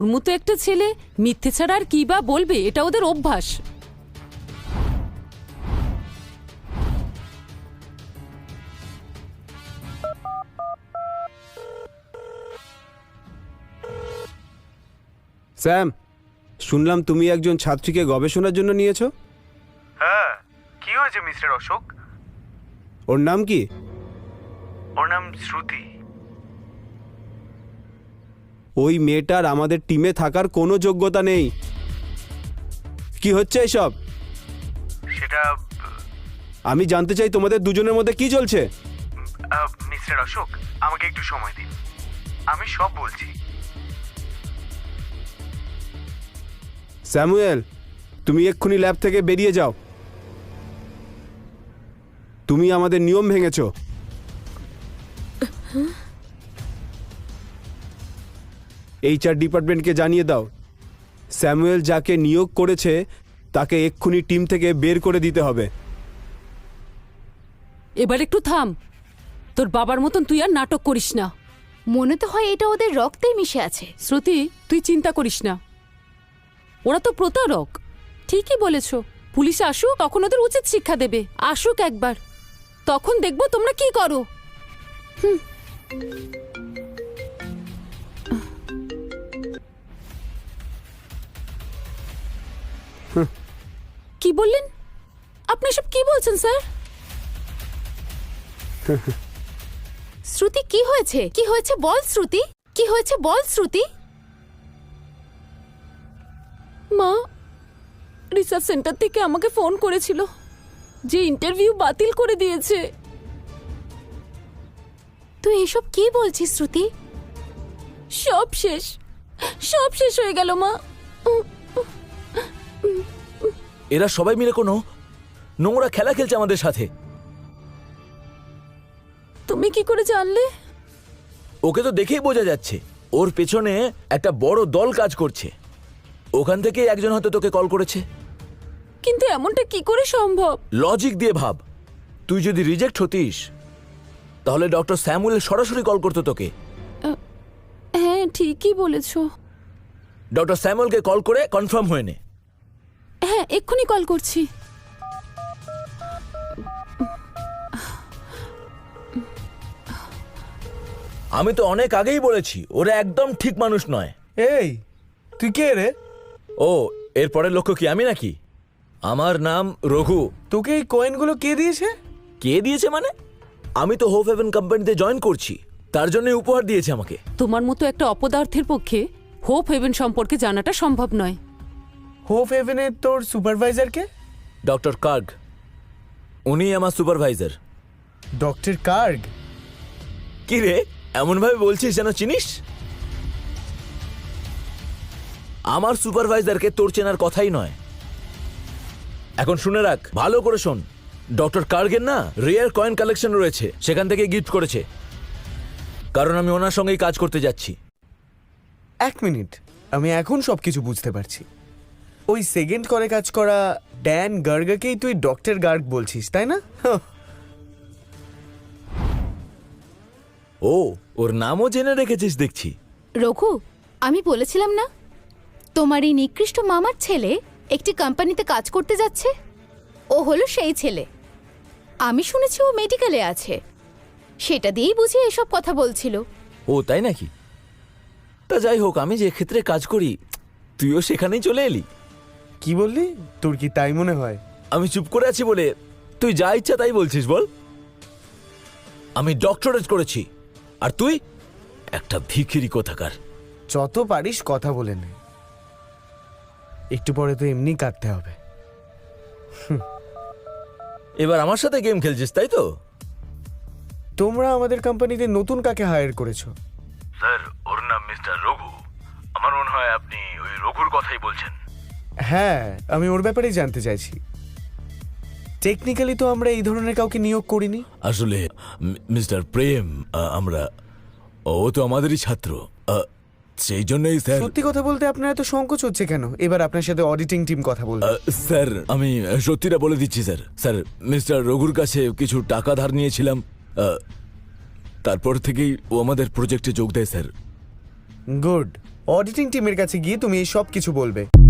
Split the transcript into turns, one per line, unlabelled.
ওর মতো একটা ছেলে মিথ্যে ছাড়া আর কি বা বলবে, এটা ওদের অভ্যাস।
স্যাম, শুনলাম তুমি একজন ছাত্রীকে গবেষণার জন্য নিয়েছো।
হ্যাঁ, কি হয়েছে মিস্টার অশোক?
ওর নাম কি?
ওর নাম শ্রুতি।
ওই মেয়েটার আমাদের টিমে থাকার কোনো যোগ্যতা নেই। কি হচ্ছে এসব?
সেটা
আমি জানতে চাই তোমাদের দুজনের মধ্যে কি চলছে।
মিস্টার অশোক, আমাকে একটু সময় দিন, আমি সব বলছি।
স্যামুয়েল, তুমি এক্ষুনি ল্যাব থেকে বেরিয়ে যাও। তুমি আমাদের নিয়ম ভেঙেছো। এইচআর ডিপার্টমেন্টকে জানিয়ে দাও, স্যামুয়েল যাকে নিয়োগ করেছে তাকে এক্ষুনি টিম থেকে বের করে দিতে হবে।
এবার একটু থাম, তোর বাবার মতন তুই আর নাটক করিস না।
মনে তো হয় এটা ওদের রক্তেই মিশে আছে।
শ্রুতি, তুই চিন্তা করিস না, ওরা তো প্রতারক। ঠিকই বলেছ, পুলিশ আসুক, তখন ওদের উচিত শিক্ষা দেবে। আসুক একবার, তখন দেখবো তোমরা কি করো। কি বললেন আপনি? সব কি বলছেন স্যার?
শ্রুতি, কি হয়েছে? কি হয়েছে বল শ্রুতি, কি হয়েছে বল শ্রুতি।
মা রিসার্চ সেন্টার থেকে আমাকে ফোন করেছিল যে ইন্টারভিউ বাতিল করে দিয়েছে।
তুই এসব কি বলছিস শ্রুতি?
সব শেষ, সব শেষ হয়ে গেল মা।
এরা সবাই মিলে কোনো নোংরা খেলা খেলছে আমাদের সাথে।
তুমি কি করে জানলে?
ওকে তো দেখেই বোঝা যাচ্ছে, ওর পেছনে একটা বড় দল কাজ করছে। ওখান থেকে একজন হয়তো তোকে কল করেছে।
কিন্তু এমনটা কি করে সম্ভব?
লজিক দিয়ে ভাব, তুই যদি রিজেক্ট হতিস তাহলে ডক্টর স্যামুয়েল সরাসরি কল করতো তোকে।
হ্যাঁ, ঠিকই বলেছ।
ডক্টর স্যামুয়েলকে কল করে কনফার্ম হয়ে নে।
হ্যাঁ, এক্ষুনি কল করছি।
আমি তো অনেক আগেই বলেছি ওরা একদম ঠিক মানুষ নয়।
এই, তুই কে রে?
ও, এরপরের লক্ষ্য কি আমি নাকি? আমার নাম রঘু।
তোকে এই কয়েনগুলো কে দিয়েছে?
কে দিয়েছে মানে? আমি তো হোপ হেভেন কোম্পানিতে জয়েন করছি, তার জন্য উপহার দিয়েছে আমাকে।
তোমার মতো একটা অপদার্থের পক্ষে হোপ হেভেন সম্পর্কে জানাটা সম্ভব নয়।
হোপ হেভেনের তোর সুপারভাইজার কে?
ডক্টর কার্গ, উনি আমার সুপারভাইজার।
Doctor cargo?
কি রে, এমন ভাবে বলছিস যেন চিনিস? আমার সুপারভাইজারকে তোর চেনার কথাই নয়। এখন শুনে রাখ, ভালো করে শোন। ডক্টর কার্গের না রেয়ার কয়েন কালেকশন রয়েছে, সেখান থেকে গিফট করেছে, কারণ আমি ওনার সঙ্গেই কাজ করতে যাচ্ছি।
এক মিনিট, আমি এখন সবকিছু বুঝতে পারছি। ওই সেকেন্ড করে কাজ করা ড্যান গার্গকেই তুই ডক্টর গার্গ বলছিস, তাই না?
ও, ওর নামও জেনে রেখেছিস দেখছি।
রঘু, আমি বলেছিলাম না তোমার এই নিকৃষ্ট মামার ছেলে একটি কোম্পানিতে কাজ করতে যাচ্ছে? ও হলো সেই ছেলে। আমি শুনেছি ও মেডিকেলে আছে, সেটা দিয়েই বুঝি এসব কথা বলছিল।
ও তাই নাকি? তা যাই হোক, আমি যে ক্ষেত্রে কাজ করি তুইও সেখানেই চলে এলি।
কি বললি? তোর কি তাই মনে হয়?
আমি চুপ করে আছি বলে তুই যা ইচ্ছা তাই বলছিস বল। আমি ডক্টরেট করেছি, আর তুই একটা ভিখিরি কোথাকার।
যত পারিস কথা বলে নে, একটু পরে তো এমনি কাটতে হবে।
এবার আমার সাথে গেম খেলছিস তাই তো?
তোমরা আমাদের কোম্পানিতে নতুন কাকে হায়ার করেছো?
স্যার, ওর নাম মিস্টার রঘু। আমার মনে হয় আপনি ওই রঘুর কথাই বলছেন।
হ্যাঁ, আমি ওর ব্যাপারেই জানতে চাইছি। টেকনিক্যালি তো আমরা এই ধরনের কাউকে নিয়োগ করিনি।
আসলে মিস্টার প্রেম, ও তো আমাদেরই ছাত্র, সেই জন্যই স্যার।
সত্যি কথা বলতে আপনার এত সংকোচ হচ্ছে কেন? এবার আপনার সাথে অডিটিং টিম কথা বলবে।
স্যার, আমি সত্যিটা বলে দিচ্ছি স্যার। স্যার, মিস্টার রঘুর কাছে কিছু টাকা ধার নিয়েছিলাম, তারপর থেকেই ও আমাদের প্রজেক্টে যোগ দেয় স্যার।
গুড। অডিটিং টিমের কাছে গিয়ে তুমি এই সব কিছু বলবে।